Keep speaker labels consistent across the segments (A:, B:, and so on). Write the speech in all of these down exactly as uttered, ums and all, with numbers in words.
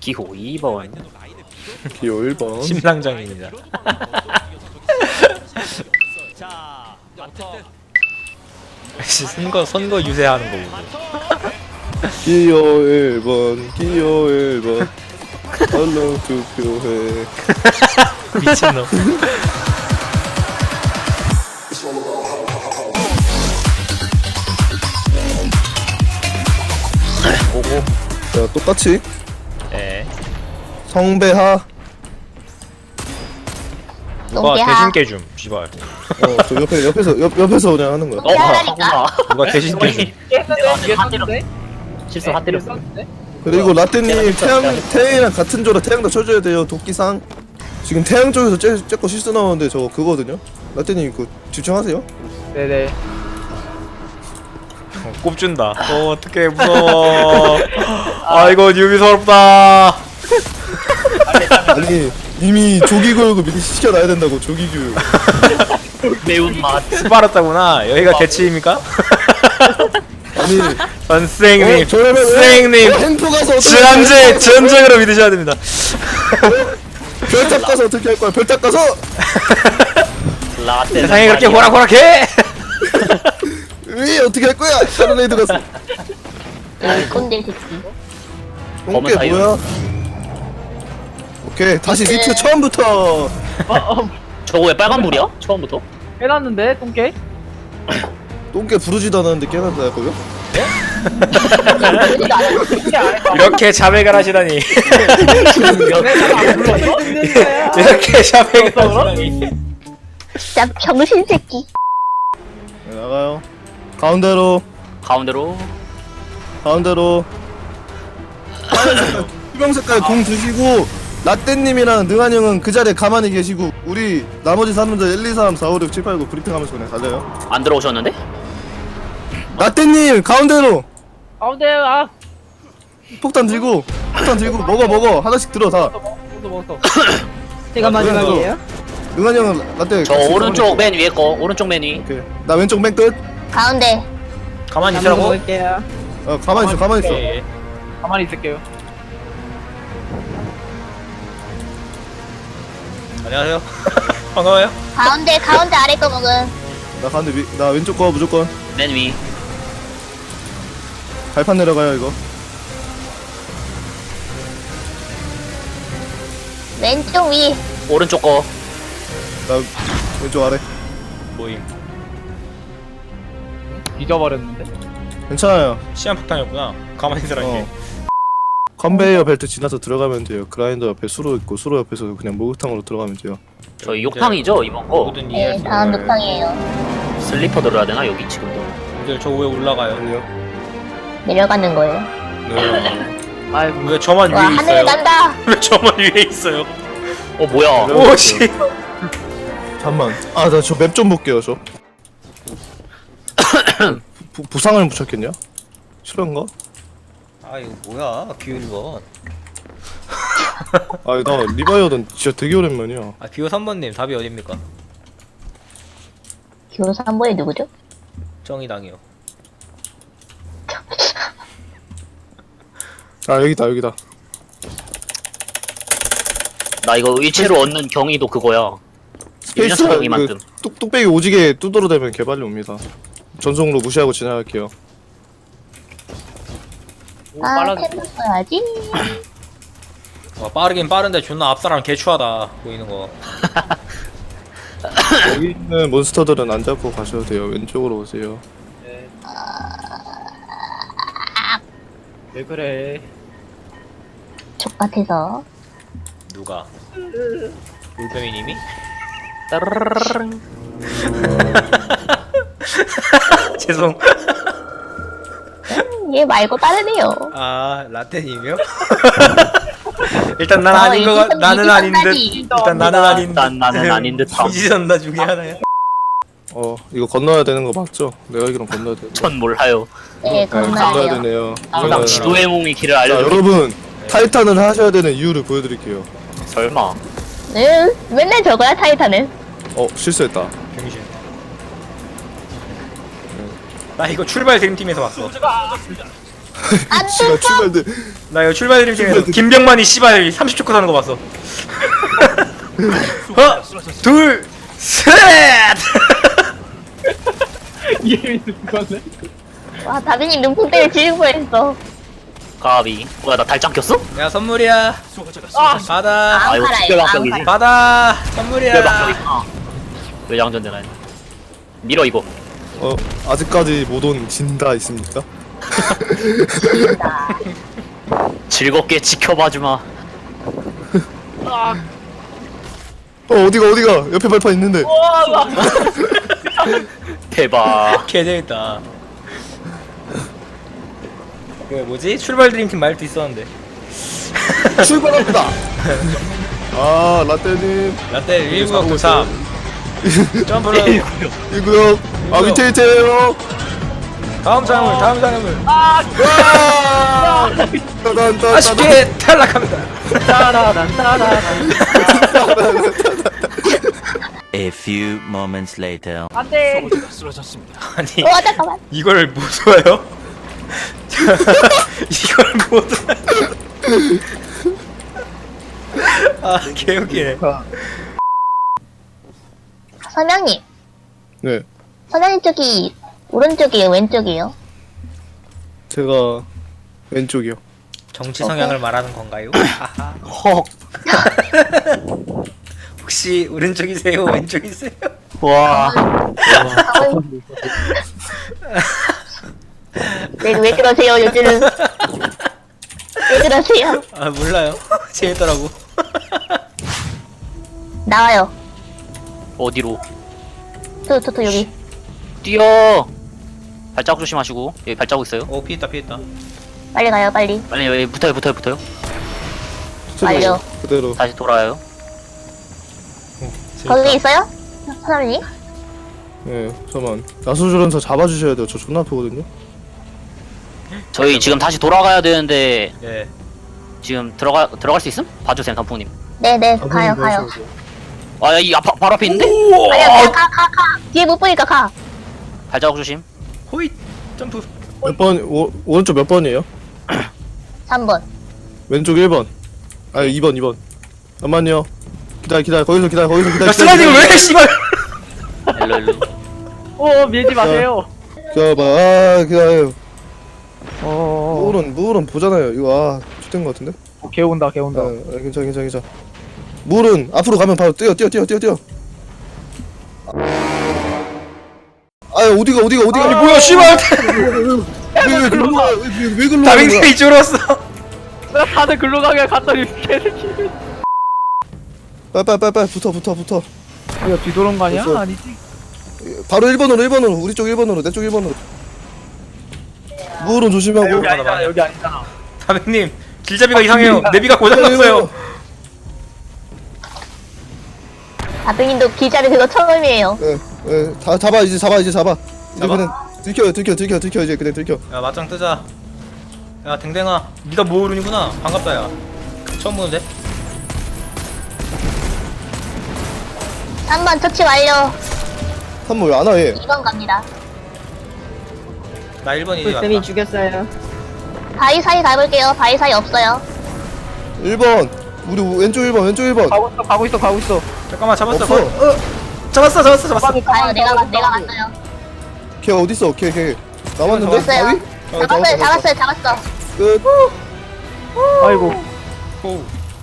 A: 기호 이 번.
B: 기호 일 번.
C: 심상정입니다. 선거 선거 유세하는 거고.
B: 기호 일 번. 기호 일 번. 얼른 투표해.
C: 미친놈.
A: 오고.
B: 자, 똑같이
C: 예.
B: 성배하.
C: 누가
D: 똥개야.
C: 대신 깨줌. 씨발.
B: 어, 저 옆에 옆에서 옆 옆에서 그냥 하는 거야.
A: 어, 하구나.
C: 누가 대신 깨줌.
A: 한 대로 실수 한 대로.
B: 그리고 라떼님 태양 태양이랑 같은 조라 태양도 쳐줘야 돼요. 도끼상. 지금 태양 쪽에서 째, 째거 실수 나오는데 저거 그거거든요. 라떼님 그 집중하세요.
E: 네네.
C: 어, 꼽준다. 어 어떡해 무서워. 아이고 뉴비 서럽다.
B: 아니 이미 조기 교육을 미리 시켜놔야 된다고. 조기 교육.
A: 매운맛.
C: 스파르타구나. 여기가 대치입니까?
B: 아니
C: 선생님,
B: 어, 저러면 왜
C: 선생님,
B: 햄프 가서 어떻게
C: 전제 전적으로 믿으셔야 됩니다.
B: 별탑 가서 어떻게 할 거야? 별탑 가서
A: 라떼.
C: 세상에 그렇게 호락호락해?
B: 왜 어떻게 할 거야? 다른 애들 가서.
D: 이 꼰대 새끼.
A: 검은
B: 똥개
A: 사이로.
B: 뭐야? 오케이 다시
D: 네.
B: 리트 처음부터.
E: 어, 어,
A: 저거 왜 빨간불이야? 처음부터?
E: 해놨는데 똥개?
B: 똥개 부르지도 않았는데 깨닫다 거요?
D: 그러지도 않았어.
E: 똥개 안 했다.
C: 이렇게 자백을 하시다니.
E: 내가 안 불렀어? 듣는 거야.
C: 이렇게 자백을 하시다니.
D: 진짜 병신 새끼.
B: 네, 나가요. 가운데로
A: 가운데로.
B: 가운데로. 하얀 색깔, 투명 색깔 공 드시고 라떼님이랑 능한 형은 그 자리에 가만히 계시고 우리 나머지 사람들 일, 이, 삼, 사, 오, 육, 칠, 팔, 구 브리핑하면서 그냥 달려요.
A: 안 들어오셨는데?
B: 라떼님 가운데로
E: 가운데 아.
B: 폭탄 들고 폭탄 들고 먹어 먹어 하나씩 들어 다.
E: 먹었어 먹었어. 제가 마지막이에요?
B: 능한 형은 라떼.
A: 저
B: 같이
A: 오른쪽
B: 가만히
A: 맨 위에 거. 오른쪽 맨 위.
B: 있어. 오케이. 나 왼쪽 맨 끝.
D: 가운데.
C: 가만히 있으라고.
E: 먹을게요.
B: 어 가만히 있어 가만히 있어.
C: 오케이.
E: 가만히 있을게요.
C: 안녕하세요. 반가워요.
D: 가운데 가운데 아래 거 먹은.
B: 나 가운데 위, 나 왼쪽 거 무조건.
A: 맨 위.
B: 발판 내려가요 이거.
D: 왼쪽 위.
A: 오른쪽 거.
B: 나 왼쪽 아래.
C: 모임.
E: 잊어버렸는데.
B: 괜찮아요.
C: 시한폭탄이었구나. 가만히 있으라는 게.
B: 어. 컨베이어 벨트 지나서 들어가면 돼요. 그라인더 옆에 수로 있고 수로 옆에서 그냥 목욕탕으로 들어가면 돼요.
A: 저희 욕탕이죠 이번 거.
C: 모든 이해할
D: 네,
C: 수
D: 다음
C: 있는
D: 녹방이에요.
A: 슬리퍼 들어야 되나 여기 지금도.
C: 분들 저 위에 올라가요.
B: 아니요.
D: 내려가는 거예요.
B: 네.
E: 아이고.
C: 왜 저만
D: 와
C: 위에
D: 하늘
C: 있어요?
D: 난다.
C: 왜 저만 위에 있어요?
A: 어 뭐야?
B: 네.
C: 오씨.
B: 잠만. 아 나 저 맵 좀 볼게요 저. 부, 부상을 붙였겠냐? 실화인가?
C: 아 이거 뭐야? 비율 거.
B: 아니 나 리바이어든 진짜 되게 오랜만이야.
C: 아 비오 삼 번님 답이 어딥니까?
D: 교사 한 번에 누구죠?
C: 정의당이요.
B: 아 여기다 여기다.
A: 나 이거 의체로 얻는 경위도 그거야.
B: 스페이스
A: 일년 차경이 만듦.
B: 뚝 뚝배기 오지게 뚜드러대면 개발이 옵니다. 전송으로 무시하고 지나갈게요.
E: 오,
D: 아
E: 빨라졌어.
D: 템 써야지.
C: 와 빠르긴 빠른데 존나 앞사람 개추하다 보이는 거.
B: 여기 있는 몬스터들은 안 잡고 가셔도 돼요. 왼쪽으로 오세요.
E: 네. 왜 그래?
D: 족같아서.
C: 누가? 울빼미님이?
A: 따르르르르.
C: 죄송.
D: 얘 말고 다르네요.
C: 아 라떼님이요? 일단 난
D: 어,
C: 아닌 거 같.
D: 이지선,
C: 나는 아닌 듯.
D: 이지선까지.
C: 일단 나는 아닌 듯.
A: 난 나는 아닌 듯함.
C: 이지선다 중에 하나야.
B: 어 이거 건너야 되는 거 맞죠? 내가 알기론 건너야 돼.
A: 전 몰라요.
D: 네
B: 건너야
D: 건너야
B: 되네요.
A: 항상
B: 건너야
A: 지도의 몸이 길을
B: 자
A: 알려줘.
B: 여러분 타이탄을 하셔야 되는 이유를 보여드릴게요.
A: 설마.
D: 네, 맨날 저거야 타이탄은.
B: 어 실수했다.
C: 병신. 나 이거 출발 드림팀에서 봤어.
D: 안
B: 씨발
D: 돼.
B: 출발들.
C: 나 이거 출발 드림 중에서 김병만이 씨발 삼십 초 컷 하는 거 봤어. 하나, 둘, 셋.
E: 이게 그거네.
D: 와, 다빈이 눈뽕 때문에 지는 뻔했어.
A: 가비. 뭐야 나 달짱 꼈어?
C: 야 선물이야. 받아.
A: 아 이거
D: 팔아요,
A: 특별박격이지.
D: 안
C: 받아. 선물이야.
A: 특별박격이구나. 외장전 되나? 밀어 이거.
B: 어 아직까지 못 온 진다 있습니까?
A: 즐겁게 지켜봐주마.
B: 어 어디가 어디가 옆에 발판 있는데.
A: 대박.
C: 개 재밌다. 그 뭐지? 출발 드림팀 말도 있었는데.
B: 출발합니다. 아 라떼님
C: 라떼 일구역 도삼. 점프로
B: 이 구역 아 밑에 밑에요.
C: 다음 장물 다음 장물.
B: 와! 따단 따단
C: 아쉽게 탈락합니다.
F: A few moments later.
E: 안돼.
C: 아니
D: 와, 잠깐만.
C: 이걸 못 와요? 이걸 못 와요? 아 개웃기네.
D: 선영님.
B: 네
D: 선영님 쪽이 오른쪽이에요, 왼쪽이에요?
B: 제가 왼쪽이요.
C: 정치 성향을 말하는 건가요? 아하.
A: 헉.
C: 혹시 오른쪽이세요? 왼쪽이세요?
A: 와.
D: 네, 왜 그러세요, 요즘은? 왜 그러세요?
C: 아 몰라요. 재밌더라고.
D: 나와요.
A: 어디로?
D: 또, 또, 또, 여기.
A: 뛰어. 발자국 조심하시고. 여기 발자국 있어요.
C: 오 피했다 피했다.
D: 빨리 가요, 빨리.
A: 빨리 여기 붙어요 붙어요 붙어요.
D: 완료.
B: 그대로.
A: 다시 돌아요.
D: 거기 있어요? 선영님?
B: 네 잠깐만 나수조련사 잡아주셔야 돼요. 저 존나 아프거든요.
A: 저희 지금 다시 돌아가야 되는데
C: 예.
A: 지금 들어가 들어갈 수 있음? 봐주세요 덤풍님.
D: 네네,
B: 아,
D: 가요,
B: 그럼
D: 가요.
B: 그러셔야 돼요.
A: 아이 앞 바로 앞에 있는데?
D: 아니야, 그냥 가, 가, 가. 뒤에 못 보니까 가.
A: 발자국 조심.
C: 호잇 점프.
B: 몇 번? 오, 오른쪽 몇 번이에요?
D: 삼 번.
B: 왼쪽 일 번. 아 이 번 이 번. 잠만요. 기다려 기다려 거기서 기다려 거기서 기다려.
C: 야 슬라이딩을 왜 해 씨발.
A: 일로 일로.
E: 오 밀지 마세요.
B: 기다려봐. 아 기다려.
E: 어.
B: 무울은 무울은 보잖아요. 이거 아 좋된 것 같은데?
E: 개 온다 개
B: 아,
E: 온다.
B: 아 괜찮아 괜찮아 괜찮아. 무울은 앞으로 가면 바로 뛰어 뛰어 뛰어 뛰어 뛰어. 아 어디가 어디가 어디가?
C: 아니 뭐야 씨발.
B: 왜왜 글로 가? 왜왜 글로 가?
C: 다빈이 이쪽으로 왔어.
E: 내가 다들 글로 가게 갔더니 개새끼.
B: 빨빨빨빨 붙어 붙어 붙어.
E: 이거 뒤도는 거 아니야?
B: 됐어.
E: 아니지?
B: 바로 일 번으로 일 번으로 우리 쪽 일 번으로 내 쪽 일 번으로. 무울은 조심하고.
E: 여기 아니잖아 여기 아니잖아.
C: 다빈님 길잡이가 이상해요. 내비가 고장났어요.
D: 아드님도 기자를 그거 처음이에요.
B: 예, 예, 다 잡아 이제 잡아 이제 잡아. 이제
C: 잡아?
B: 그냥 들켜 들켜 들켜 들켜 이제 그냥 들켜.
C: 야 맞짱 뜨자. 야 댕댕아 네가 모으룬이구나. 반갑다 야. 처음 보는데?
D: 삼 번 처치 완료.
B: 삼 번 왜 안 와 얘?
D: 이 번 갑니다.
C: 나 일 번 이제
E: 쌤이
C: 갔다.
E: 죽였어요.
D: 바위 사이 가볼게요. 바위 사이 없어요.
B: 일 번 우리 왼쪽 일 번 왼쪽 일 번.
E: 가고 있어 가고 있어 가고 있어.
C: 잠깐만 잡았어.
B: 없어.
C: 거- 어. 잡았어 잡았어 잡았어.
D: 가요. 내가 갔 내가 갔어요.
B: 걔 어디 있어? 걔 걔. 남았는데?
D: 됐어요.
B: 바위? 어,
D: 잡았어요.
B: 잡았어,
D: 잡았어요. 잡았어.
B: 끝.
E: 아이고.
C: 오.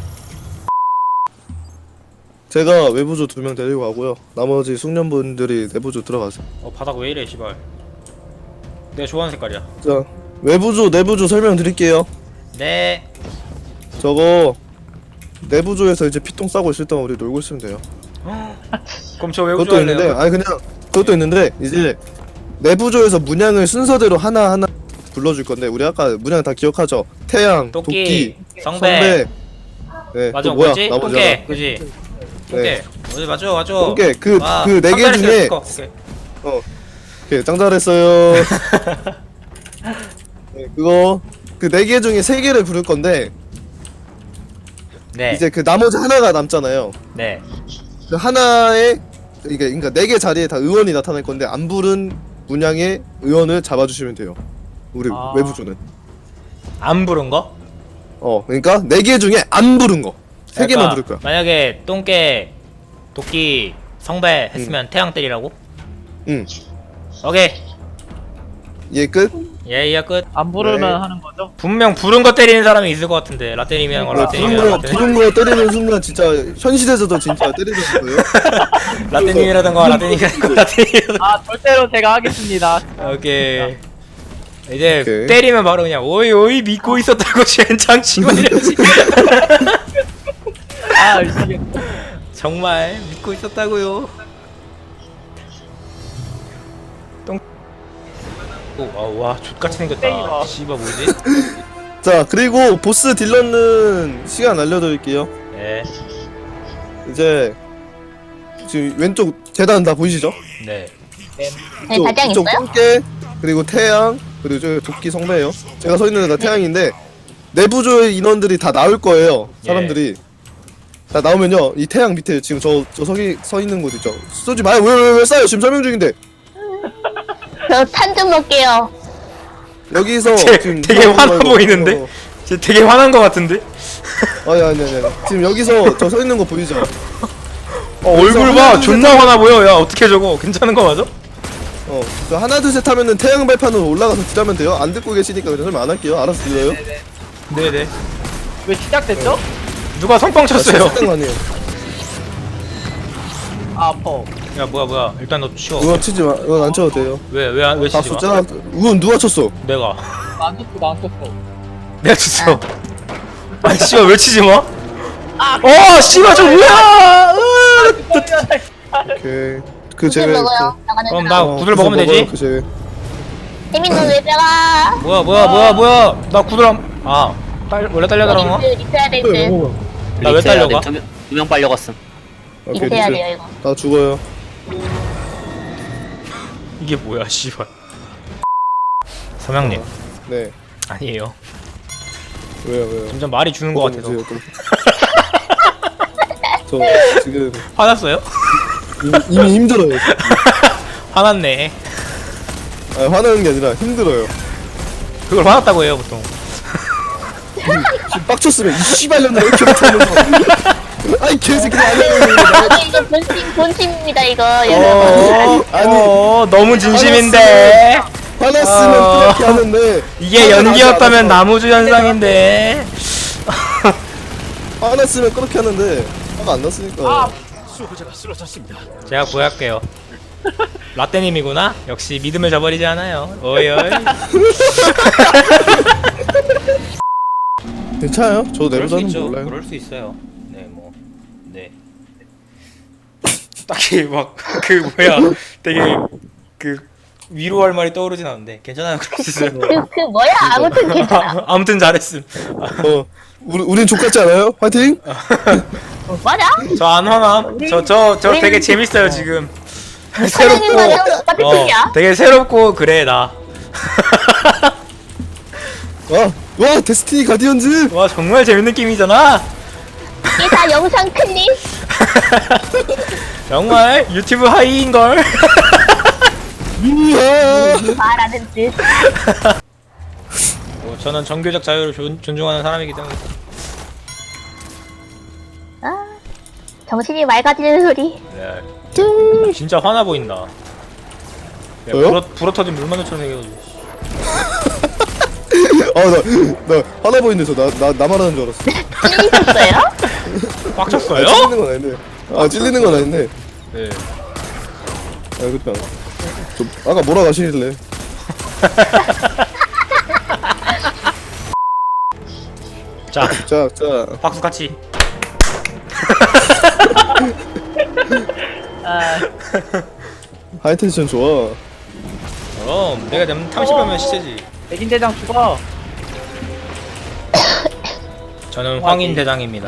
B: 제가 외부조 두 명 데리고 가고요. 나머지 숙련분들이 내부조 들어가세요.
C: 어 바닥 왜 이래 씨발. 내가 좋아하는 색깔이야.
B: 자 외부조 내부조 설명드릴게요.
C: 네.
B: 저거 내부조에서 이제 피똥 싸고 있을 동안 우리 놀고 있으면 돼요.
C: 그럼 저 외국
B: 그것도 있는데
C: 좋아할래요.
B: 아니 그냥 그것도 있는데 이제 내부조에서 문양을 순서대로 하나 하나 불러줄 건데 우리 아까 문양 다 기억하죠? 태양,
C: 토끼,
B: 도끼,
C: 성배.
B: 네,
C: 맞아
B: 또 뭐야?
C: 뭐지?
B: 나머지
C: 똥개
B: 하나.
C: 그지? 똥개.
B: 네.
C: 어디 맞아 맞아.
B: 똥개 그
C: 아,
B: 그 네 개
C: 깜짝이야,
B: 중에
C: 스커. 오케이.
B: 어, 오케이 짱 잘했어요. 네, 그거 그 네 개 중에 세 개를 부를 건데
C: 네.
B: 이제 그 나머지 하나가 남잖아요.
C: 네.
B: 그 하나에 이게 그러니까 네 개 자리에 다 의원이 나타날 건데 안 부른 문양의 의원을 잡아주시면 돼요. 우리
E: 아.
B: 외부조는.
C: 안 부른 거?
B: 어 그러니까 네 개 중에 안 부른 거 세 개만 부를 거야.
C: 만약에 똥개, 도끼, 성배 했으면 태양 때리라고?
B: 응.
C: 오케이.
B: 얘 끝.
C: 예, 이야 끝.
E: 안 부르면
B: 네.
E: 하는 거죠?
C: 분명 부른 거 때리는 사람이 있을 것 같은데 라떼님이 하는 거
B: 네,
C: 라떼님이
B: 부른
C: 하는
B: 거
C: 거
B: 부른 거 때리는 순간 진짜 현실에서도 진짜 때리는 거예요.
C: 라떼님이라던가 라떼님이 하는 거 라떼님이라던가.
E: 아 절대로 제가 하겠습니다.
C: 오케이. 이제
B: 오케이.
C: 때리면 바로 그냥 오이 오이 믿고 있었다고 젠장 치고 이러지.
E: 아 이게
C: 정말 믿고 있었다고요. 똥. 오와 족같이 생겼다.
E: 땡이다.
C: 씨발 뭐지?
B: 자 그리고 보스 딜러는 시간 알려드릴게요.
C: 네.
B: 이제 지금 왼쪽 재단 다 보이시죠?
C: 네.
D: 네,
B: 이쪽,
D: 달장
B: 이쪽
D: 있어요?
B: 똥개 그리고 태양 그리고 저 도끼 성배예요. 제가 서 있는 데가 태양인데 내부조의 인원들이 다 나올 거예요. 사람들이 다 나오면요 이 태양 밑에 지금 저 저 서기 서 있는 곳 있죠. 쏘지 마요. 왜 왜 왜 쏴요? 지금 설명 중인데
D: 저 탄 좀 먹게요.
B: 여기서
C: 쟤
B: 지금
C: 되게
B: 사람
C: 화나
B: 말고-
C: 보이는데?
B: 어,
C: 쟤 되게 화난 거 같은데?
B: 어. 아니 아니 아니 지금 여기서 저 서 있는 거 보이죠?
C: 어 얼굴
B: 하나,
C: 봐
B: 둘,
C: 존나
B: 셋
C: 화나 보여. 야 어떻게 저거 괜찮은 거 맞아?
B: 어, 저 하나 둘 셋 하면은 태양 발판으로 올라가서 딜하면 돼요. 안 듣고 계시니까 그냥 설명 안 할게요. 알아서 들어요.
C: 네네.
E: 왜 시작됐죠?
C: 누가 성빵 쳤어요?
B: 거 아니에요.
E: 아 아퍼.
C: 야 뭐야 뭐야 일단 너 치워.
B: 이건 치지 마. 이건 안 쳐도 돼요.
C: 왜왜왜 왜
B: 다
C: 치지 마?
B: 숫자. 이건 누가 쳤어?
C: 내가
E: 안 쳤어 나안 쳤어.
C: 내가 쳤어. 아니 씨발 왜 치지 마? 어 씨발 저 뭐야? 으,
B: 오케이. 그
D: 구슬
B: 제가
D: 먹어요. 나가는
C: 그럼
D: 사람.
C: 나
B: 어,
C: 구슬
B: 구슬
C: 먹으면 되지?
B: 먹어요, 그 제.
D: 혜민은 왜 빼가?
C: 뭐야 뭐야 뭐야 뭐야? 나 구슬함. 아 딸 원래 딸려더라
D: 리트 리트 해야 될 듯.
C: 나 왜 딸려가?
A: 두명 빨려갔음.
B: 오케이.
D: 리트 해야
B: 리트.
D: 돼요 이거.
B: 나 죽어요.
C: 이게 뭐야 씨발. 서명님
B: 네.
C: 아니에요.
B: 왜요 왜요?
C: 점점 말이 주는 거 같아서
B: 보세요, 좀. 저 지금
C: 화났어요?
B: 이미, 이미 힘들어요.
C: 화났네.
B: 아, 화나는 게 아니라 힘들어요.
C: 그걸 화났다고 해요 보통.
B: 지금 빡쳤으면 이 씨발년아 이렇게 못하면서. 아이 개새끼들 아니야.
D: 아, 이거 본심 본심입니다 이거
C: 어,
D: 여러분.
B: 아니.
C: 어 너무 진심인데.
B: 화났으면
C: 어.
B: 그렇게 하는데.
C: 이게
B: 화가 나지
C: 연기였다면
B: 않아서.
C: 나무주 현상인데.
B: 화났으면 그렇게 하는데 화가 안 났으니까.
C: 제가 구할게요. 라떼님이구나. 역시 믿음을 저버리지 않아요. 어이 어이.
B: 괜찮아요? 저도
C: 그럴 수
B: 내부자는
C: 있죠.
B: 몰라요.
C: 그럴 수 있어요. 네 뭐. 네. 딱히 막 그 뭐야 되게 그 위로할 말이 떠오르진 않는데 괜찮아요. 그럴 수 있어요.
D: 그, 그 뭐야 아무튼 괜찮아.
C: 아무튼 잘했음.
B: 어, 우리 우린 족같지 않아요? 화이팅!
D: 맞아?
C: 저 안 화남. 저 저 저 되게 재밌어요 지금.
D: 사장님
C: 새롭고
D: 맞아 똑같은
C: 어
D: 소리야.
C: 되게 새롭고 그래 나.
B: 와, 와 데스티니 가디언즈!
C: 와 정말 재밌는 게임이잖아.
D: 이게 다 영상 클립.
C: 정말 유튜브 하이인 걸.
B: 우와!
D: 말하는 듯.
C: 뭐, 저는 정교적 자유를 존, 존중하는 사람이기 때문에.
D: 아, 정신이 맑아지는 소리.
C: 네. 진짜 화나 보인다. 야,
B: 저요?
C: 불어 불어 터진 물만두처럼 생겨가지고.
B: 아, 나, 나 화나 보이는데 저 나, 나, 나 말하는 줄 알았어.
D: 찔리셨어요?
B: 아,
C: 빡쳤어요?
B: 찔리는 건 아닌데. 아, 찔리는 건 아닌데.
C: 네.
B: 아, 그렇게 안. 저, 아까 뭐라 하시길래.
C: 자,
B: 자, 자.
C: 박수 같이.
E: 아
B: 하이텐션 좋아.
C: 그럼 내가 좀 탐식하면 시체지.
E: 백인 대장 죽어.
C: 저는 황인 대장입니다.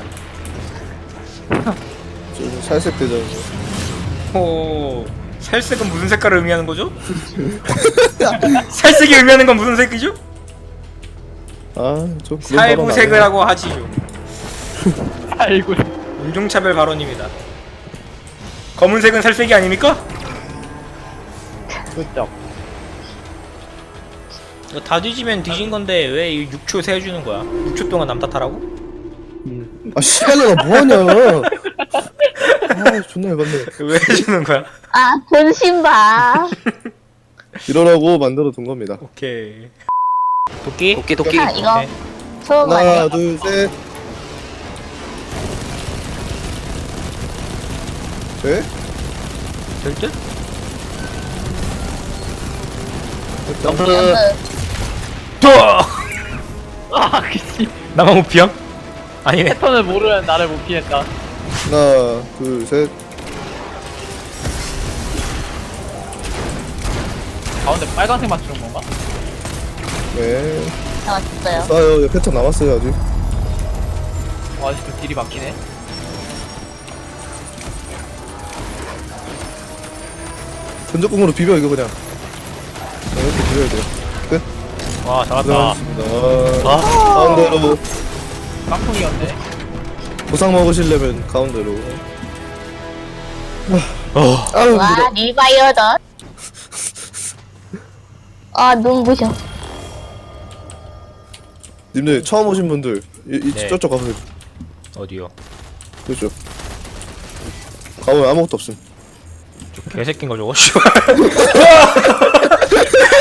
B: 좀 살색 대장.
C: 오, 살색은 무슨 색깔을 의미하는 거죠? 살색이 의미하는 건 무슨 색이죠?
B: 아, 저 그런 발언 안
C: 살구색을
B: 해요.
C: 하고 하지요.
E: 아이고.
C: 인종차별 발언입니다. 검은색은 살색이 아닙니까?
E: 그렇죠.
C: 이거 다 뒤지면 뒤진 건데 왜 육 초 세워주는 거야? 육 초 동안 남 탓하라고?
B: 아 씨발년아 뭐하냐. 아 존나 열받네.
C: 왜 해주는 거야?
D: 아, 본심 봐.
B: 이러라고 만들어 둔 겁니다.
C: 오케이. 도끼?
A: 도끼 도끼.
D: 자, 이거
C: 오케이.
D: 소음
B: 하나
D: 안에
B: 둘셋 네?
C: 될 듯?
B: 점프.
D: 점프.
E: 아 그치.
C: 나만 못 피함? 아니네.
E: 패턴을 모르는 나를 못 피했다.
B: 하나 둘셋
E: 가운데 빨간색 맞추는 건가?
B: 네.
D: 나왔어요.
B: 싸요. 패턴 남았어요 아직.
E: 와 아직도 딜이 막히네.
B: 전적공으로 비벼 이거 그냥. 네, 이렇게 비벼야 돼요. 끝.
C: 와 잘한다.
B: 고생하셨습니다.
C: 아.
B: 가운데로
E: 깡통이었네.
B: 보상 먹으시려면 가운데로.
C: 어.
B: 아유
D: 와,
B: 힘들어.
D: 리바이어던. 아, 눈부셔.
B: 님들 처음 오신 분들 이, 이
C: 네.
B: 저쪽 가보세요.
C: 어디요?
B: 그렇죠. 가보면 아무것도 없음.
C: 저 개새끼인 거 저거. 씨발.